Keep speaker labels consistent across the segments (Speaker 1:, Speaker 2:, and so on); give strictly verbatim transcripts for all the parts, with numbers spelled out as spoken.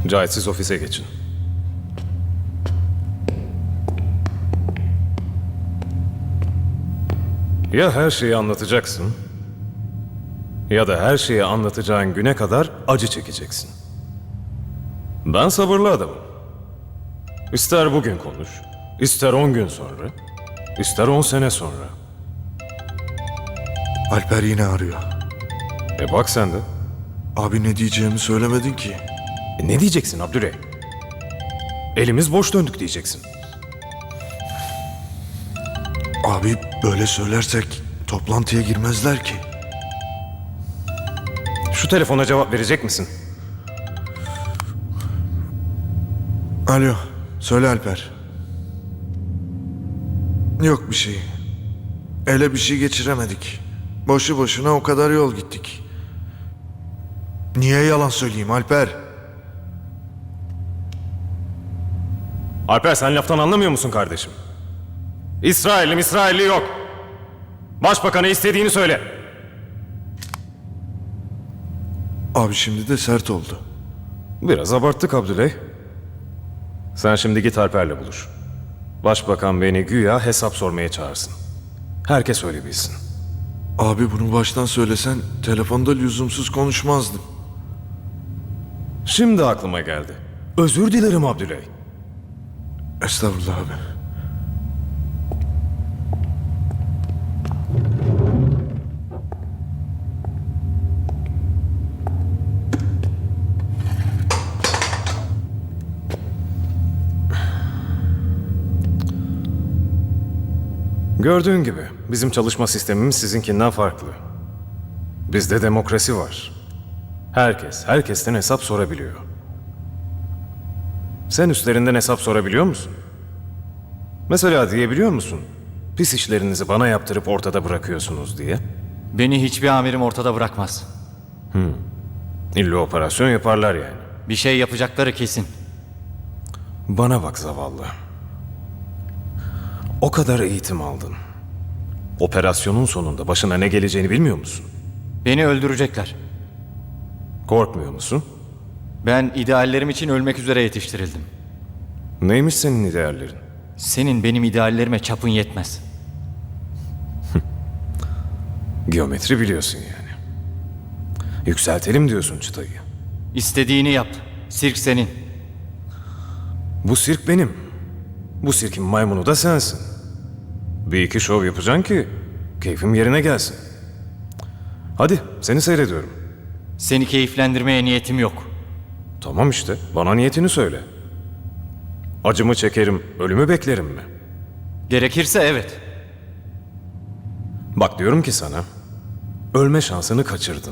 Speaker 1: Cahit, siz ofise geçin. Ya her şeyi anlatacaksın, ya da her şeyi anlatacağın güne kadar acı çekeceksin. Ben sabırlı adamım. İster bugün konuş, ister on gün sonra, ister on sene sonra.
Speaker 2: Alper yine arıyor.
Speaker 1: E bak sen de.
Speaker 2: Abi ne diyeceğimi söylemedin ki.
Speaker 1: E ne diyeceksin Abdüley? Elimiz boş döndük diyeceksin.
Speaker 2: Abi böyle söylersek toplantıya girmezler ki.
Speaker 1: Şu telefona cevap verecek misin?
Speaker 2: Alo, söyle Alper. Yok bir şey. Ele bir şey geçiremedik. Boşu boşuna o kadar yol gittik. Niye yalan söyleyeyim Alper?
Speaker 1: Alper, sen laftan anlamıyor musun kardeşim? İsrail'im İsrailli yok. Başbakan'a istediğini söyle.
Speaker 2: Abi şimdi de sert oldu.
Speaker 1: Biraz abarttık Abdüley. Sen şimdi git Alper'le buluş. Başbakan beni güya hesap sormaya çağırsın. Herkes öyle bilsin.
Speaker 2: Abi bunu baştan söylesen telefonda lüzumsuz konuşmazdım.
Speaker 1: Şimdi aklıma geldi. Özür dilerim Abdüley.
Speaker 2: Estağfurullah abi.
Speaker 1: Gördüğün gibi bizim çalışma sistemimiz sizinkinden farklı. Bizde demokrasi var. Herkes, herkesten hesap sorabiliyor. Sen üstlerinden hesap sorabiliyor musun? Mesela diyebiliyor musun? Pis işlerinizi bana yaptırıp ortada bırakıyorsunuz diye.
Speaker 3: Beni hiçbir amirim ortada bırakmaz.
Speaker 1: İlla operasyon yaparlar yani.
Speaker 3: Bir şey yapacakları kesin.
Speaker 1: Bana bak zavallı. O kadar eğitim aldın. Operasyonun sonunda başına ne geleceğini bilmiyor musun?
Speaker 3: Beni öldürecekler.
Speaker 1: Korkmuyor musun?
Speaker 3: Ben ideallerim için ölmek üzere yetiştirildim.
Speaker 1: Neymiş senin ideallerin?
Speaker 3: Senin benim ideallerime çapın yetmez.
Speaker 1: Geometri biliyorsun yani. Yükseltelim diyorsun çıtayı.
Speaker 3: İstediğini yap. Sirk senin.
Speaker 1: Bu sirk benim. Bu sirkin maymunu da sensin. Bir iki şov yapacaksın ki keyfim yerine gelsin. Hadi seni seyrediyorum.
Speaker 3: Seni keyiflendirmeye niyetim yok.
Speaker 1: Tamam işte, bana niyetini söyle. Acımı çekerim, ölümü beklerim mi?
Speaker 3: Gerekirse evet.
Speaker 1: Bak diyorum ki sana, ölme şansını kaçırdın.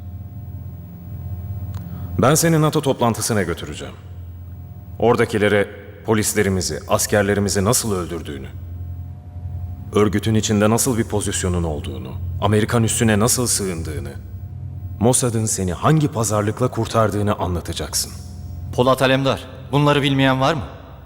Speaker 1: Ben seni NATO toplantısına götüreceğim. Oradakilere polislerimizi, askerlerimizi nasıl öldürdüğünü, örgütün içinde nasıl bir pozisyonun olduğunu, Amerikan üssüne nasıl sığındığını, Mossad'ın seni hangi pazarlıkla kurtardığını anlatacaksın.
Speaker 3: Polat Alemdar, bunları bilmeyen var mı?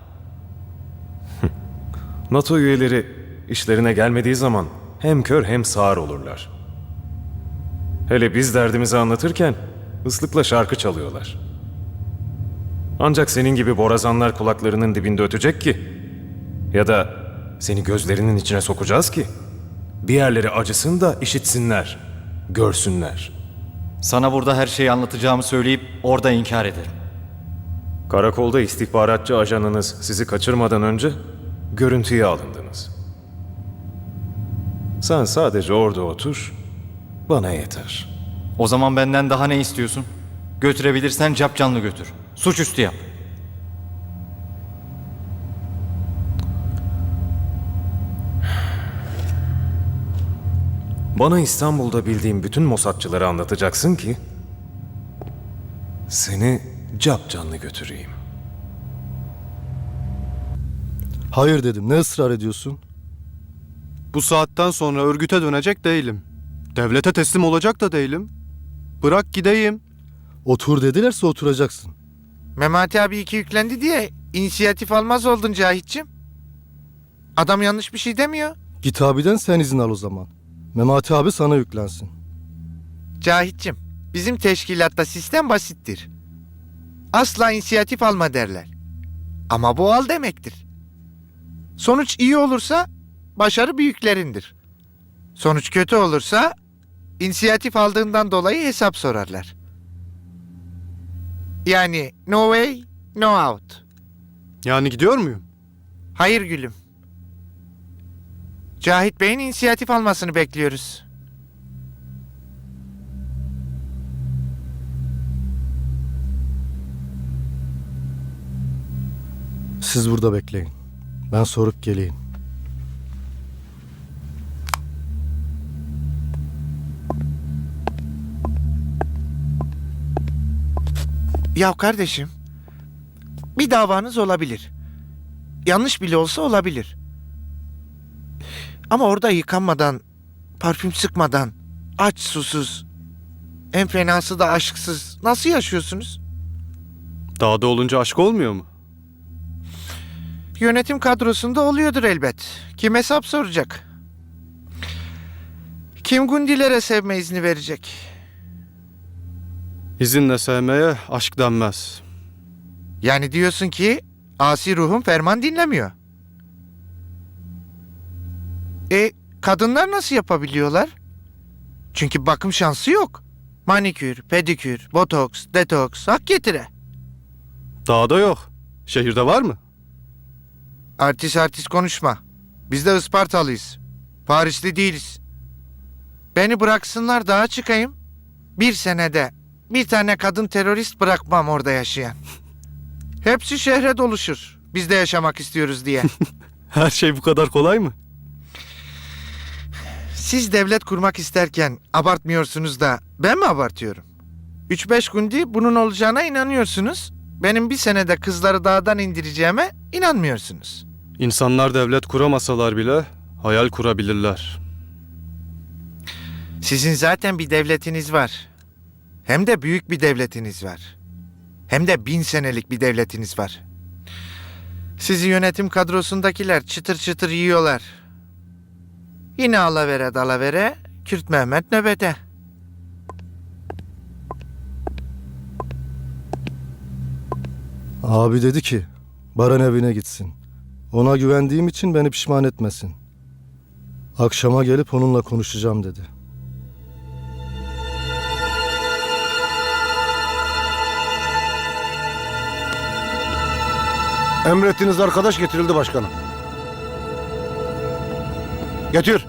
Speaker 1: NATO üyeleri işlerine gelmediği zaman hem kör hem sağır olurlar. Hele biz derdimizi anlatırken ıslıkla şarkı çalıyorlar. Ancak senin gibi borazanlar kulaklarının dibinde ötecek ki, ya da seni gözlerinin içine sokacağız ki bir yerleri acısın da işitsinler, görsünler.
Speaker 3: Sana burada her şeyi anlatacağımı söyleyip orada inkar ederim.
Speaker 1: Karakolda istihbaratçı ajanınız sizi kaçırmadan önce görüntüye alındınız. Sen sadece orada otur, bana yeter.
Speaker 3: O zaman benden daha ne istiyorsun? Götürebilirsen capcanlı götür. Suçüstü yap.
Speaker 1: Bana İstanbul'da bildiğim bütün Mossadçıları anlatacaksın ki seni capcanlı götüreyim.
Speaker 4: Hayır dedim. Ne ısrar ediyorsun?
Speaker 5: Bu saatten sonra örgüte dönecek değilim. Devlete teslim olacak da değilim. Bırak gideyim.
Speaker 4: Otur dedilerse oturacaksın.
Speaker 6: Memati abi iki yüklendi diye inisiyatif almaz oldun Cahit'cim. Adam yanlış bir şey demiyor.
Speaker 4: Git abiden sen izin al o zaman. Memati abi sana yüklensin.
Speaker 6: Cahit'cim, bizim teşkilatta sistem basittir. asla inisiyatif alma derler. Ama bu al demektir. Sonuç iyi olursa başarı büyüklerindir. Sonuç kötü olursa inisiyatif aldığından dolayı hesap sorarlar. Yani no way, no out.
Speaker 5: Yani gidiyor muyum?
Speaker 6: Hayır gülüm. Cahit Bey'in inisiyatif almasını bekliyoruz.
Speaker 4: Siz burada bekleyin. Ben sorup geleyim.
Speaker 6: Ya kardeşim, bir davanız olabilir. Yanlış bile olsa olabilir. Ama orada yıkanmadan, parfüm sıkmadan, aç susuz, en fenası da aşksız nasıl yaşıyorsunuz?
Speaker 5: Dağda olunca aşk olmuyor mu?
Speaker 6: Yönetim kadrosunda oluyordur elbet. Kim hesap soracak? Kim Gundilere sevme izni verecek?
Speaker 5: İzinle sevmeye aşk denmez.
Speaker 6: Yani diyorsun ki asi ruhum ferman dinlemiyor. E kadınlar nasıl yapabiliyorlar? Çünkü bakım şansı yok. Manikür, pedikür, botoks, detoks, hak getire.
Speaker 5: Dağda yok. Şehirde var mı?
Speaker 6: Artist artist konuşma. Biz de Ispartalıyız. Parisli değiliz. Beni bıraksınlar dağa çıkayım. Bir senede bir tane kadın terörist bırakmam orada yaşayan. Hepsi şehre doluşur. Biz de yaşamak istiyoruz diye.
Speaker 5: Her şey bu kadar kolay mı?
Speaker 6: Siz devlet kurmak isterken abartmıyorsunuz da ben mi abartıyorum? Üç beş günde bunun olacağına inanıyorsunuz. Benim bir senede kızları dağdan indireceğime inanmıyorsunuz.
Speaker 5: İnsanlar devlet kuramasalar bile hayal kurabilirler.
Speaker 6: Sizin zaten bir devletiniz var. Hem de büyük bir devletiniz var. Hem de bin senelik bir devletiniz var. Sizi yönetim kadrosundakiler çıtır çıtır yiyorlar. Yine alavere dalavere, Kürt Mehmet nöbete.
Speaker 4: Abi dedi ki Baran evine gitsin. Ona güvendiğim için beni pişman etmesin. Akşama gelip onunla konuşacağım dedi.
Speaker 7: Emrettiğiniz arkadaş getirildi başkanım. Getir.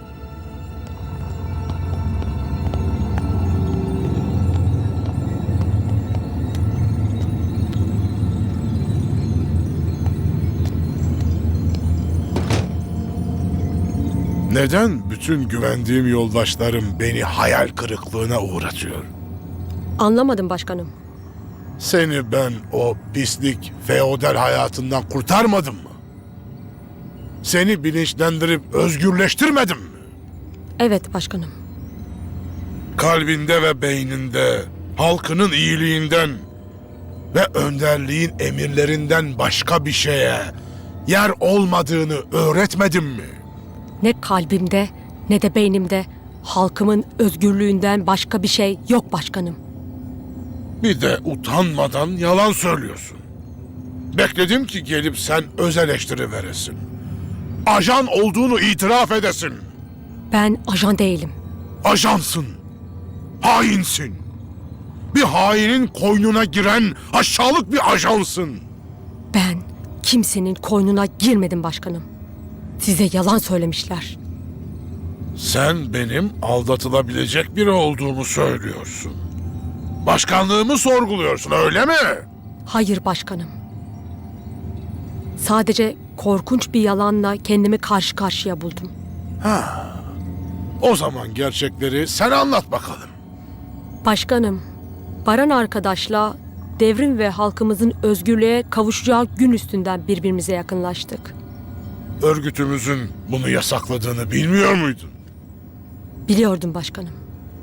Speaker 8: Neden bütün güvendiğim yoldaşlarım beni hayal kırıklığına uğratıyor?
Speaker 9: Anlamadım başkanım.
Speaker 8: Seni ben o pislik feodal hayatından kurtarmadım mı? Seni bilinçlendirip özgürleştirmedim mi?
Speaker 9: Evet başkanım.
Speaker 8: Kalbinde ve beyninde halkının iyiliğinden ve önderliğin emirlerinden başka bir şeye yer olmadığını öğretmedim mi?
Speaker 9: Ne kalbimde ne de beynimde halkımın özgürlüğünden başka bir şey yok başkanım.
Speaker 8: Bir de utanmadan yalan söylüyorsun. Bekledim ki gelip sen öz eleştiri veresin. Ajan olduğunu itiraf edesin.
Speaker 9: Ben ajan değilim.
Speaker 8: Ajansın. Hainsin. Bir hainin koynuna giren aşağılık bir ajansın.
Speaker 9: Ben kimsenin koynuna girmedim başkanım. Size yalan söylemişler.
Speaker 8: Sen benim aldatılabilecek biri olduğumu söylüyorsun. Başkanlığımı sorguluyorsun, öyle mi?
Speaker 9: Hayır başkanım. Sadece korkunç bir yalanla kendimi karşı karşıya buldum.
Speaker 8: O zaman gerçekleri sen anlat bakalım.
Speaker 9: Başkanım, Baran arkadaşla devrim ve halkımızın özgürlüğe kavuşacağı gün üstünden birbirimize yakınlaştık.
Speaker 8: Örgütümüzün bunu yasakladığını bilmiyor muydun?
Speaker 9: Biliyordum başkanım.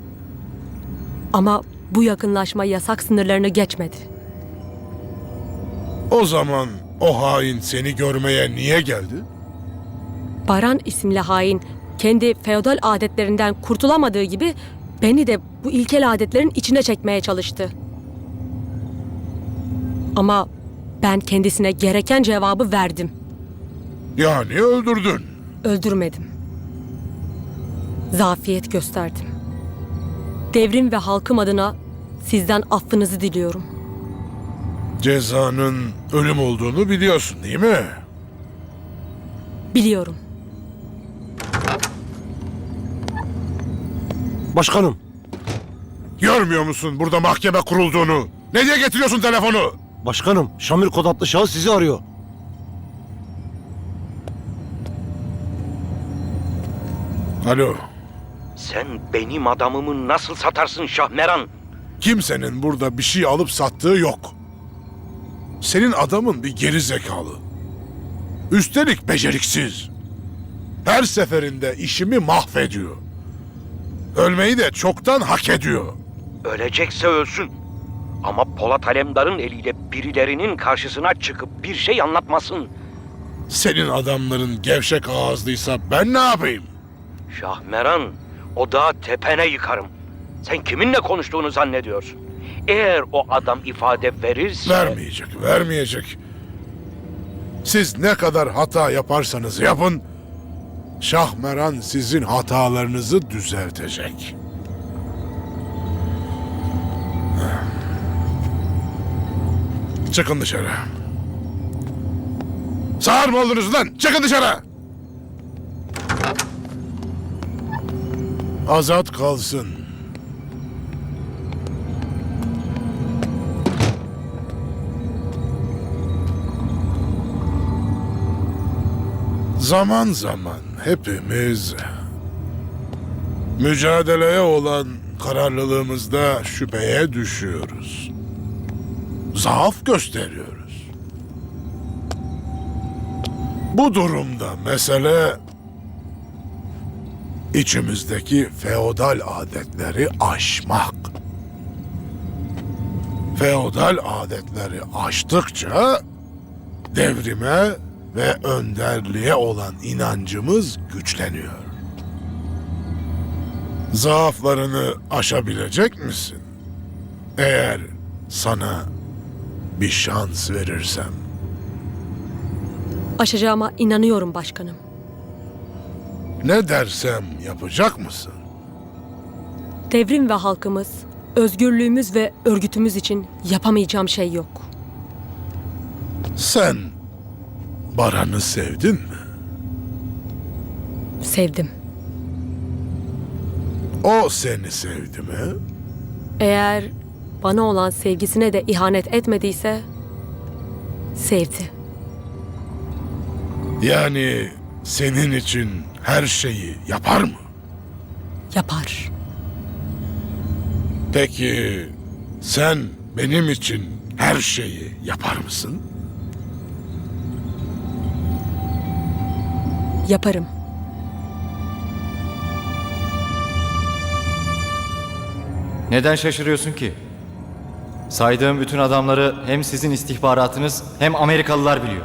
Speaker 9: Ama bu yakınlaşma yasak sınırlarını geçmedi.
Speaker 8: O zaman o hain seni görmeye niye geldi?
Speaker 9: Baran isimli hain kendi feodal adetlerinden kurtulamadığı gibi beni de bu ilkel adetlerin içine çekmeye çalıştı. Ama ben kendisine gereken cevabı verdim.
Speaker 8: Yani öldürdün.
Speaker 9: Öldürmedim. Zafiyet gösterdim. Devrim ve halkım adına sizden affınızı diliyorum.
Speaker 8: Cezanın ölüm olduğunu biliyorsun değil mi?
Speaker 9: Biliyorum.
Speaker 7: Başkanım,
Speaker 8: Görmüyor musun burada mahkeme kurulduğunu? Ne diye getiriyorsun telefonu?
Speaker 7: başkanım Şamil Kod adlı şahıs sizi arıyor.
Speaker 8: Alo.
Speaker 10: Sen benim adamımı nasıl satarsın Şahmeran?
Speaker 8: Kimsenin burada bir şey alıp sattığı yok. Senin adamın bir geri zekalı. Üstelik beceriksiz. Her seferinde işimi mahvediyor. Ölmeyi de çoktan hak ediyor.
Speaker 10: Ölecekse ölsün. Ama Polat Alemdar'ın eliyle birilerinin karşısına çıkıp bir şey anlatmasın.
Speaker 8: Senin adamların gevşek ağızlıysa ben ne yapayım?
Speaker 10: Şahmeran, o dağı tepene yıkarım. Sen kiminle konuştuğunu zannediyorsun? Eğer o adam ifade verirse...
Speaker 8: Vermeyecek, vermeyecek. Siz ne kadar hata yaparsanız yapın, Şahmeran sizin hatalarınızı düzeltecek. Çıkın dışarı. Sağır mı oldunuz lan? Çıkın dışarı! Azat kalsın. Zaman zaman hepimiz mücadeleye olan kararlılığımızda şüpheye düşüyoruz. Zaaf gösteriyoruz. Bu durumda mesele içimizdeki feodal adetleri aşmak. Feodal adetleri aştıkça devrime ve önderliğe olan inancımız güçleniyor. Zaaflarını aşabilecek misin? Eğer sana bir şans verirsem.
Speaker 9: Aşacağıma inanıyorum başkanım.
Speaker 8: Ne dersem yapacak mısın?
Speaker 9: Devrim ve halkımız, özgürlüğümüz ve örgütümüz için yapamayacağım şey yok.
Speaker 8: Sen Baran'ı sevdin mi?
Speaker 9: Sevdim.
Speaker 8: O seni sevdi mi?
Speaker 9: Eğer bana olan sevgisine de ihanet etmediyse sevdi.
Speaker 8: Yani senin için her şeyi yapar mı?
Speaker 9: Yapar.
Speaker 8: Peki sen benim için her şeyi yapar mısın?
Speaker 9: Yaparım.
Speaker 3: Neden şaşırıyorsun ki? Saydığım bütün adamları hem sizin istihbaratınız hem Amerikalılar biliyor.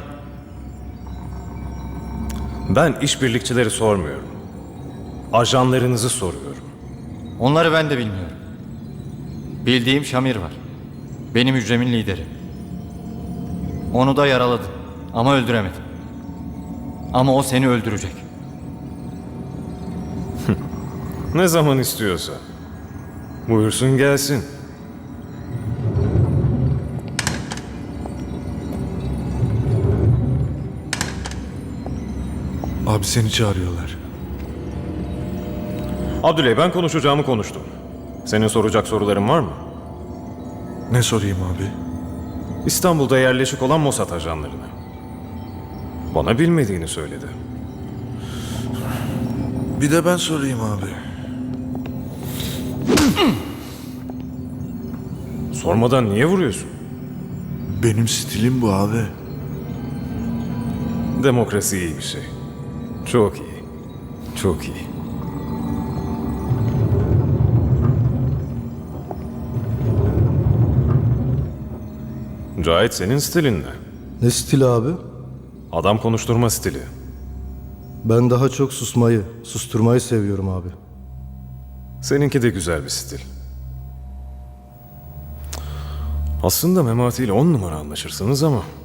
Speaker 1: Ben işbirlikçileri sormuyorum. Ajanlarınızı soruyorum.
Speaker 3: Onları ben de bilmiyorum. Bildiğim Şamir var. Benim hücremin lideri. Onu da yaraladım ama öldüremedim. Ama o seni öldürecek.
Speaker 1: Ne zaman istiyorsa. Buyursun gelsin.
Speaker 2: Abi seni çağırıyorlar.
Speaker 1: Abdüley, ben konuşacağımı konuştum. Senin soracak soruların var mı?
Speaker 2: Ne sorayım abi?
Speaker 1: İstanbul'da yerleşik olan Mossad ajanlarını. Bana bilmediğini söyledi.
Speaker 2: Bir de ben sorayım abi.
Speaker 1: Sormadan niye vuruyorsun?
Speaker 2: Benim stilim bu abi.
Speaker 1: Demokrasi iyi bir şey. Çok iyi. Çok iyi. Cahit, senin stilin ne?
Speaker 4: Ne stili abi?
Speaker 1: Adam konuşturma stili.
Speaker 4: Ben daha çok susmayı, susturmayı seviyorum abi.
Speaker 1: Seninki de güzel bir stil. Aslında Memati ile on numara anlaşırsınız ama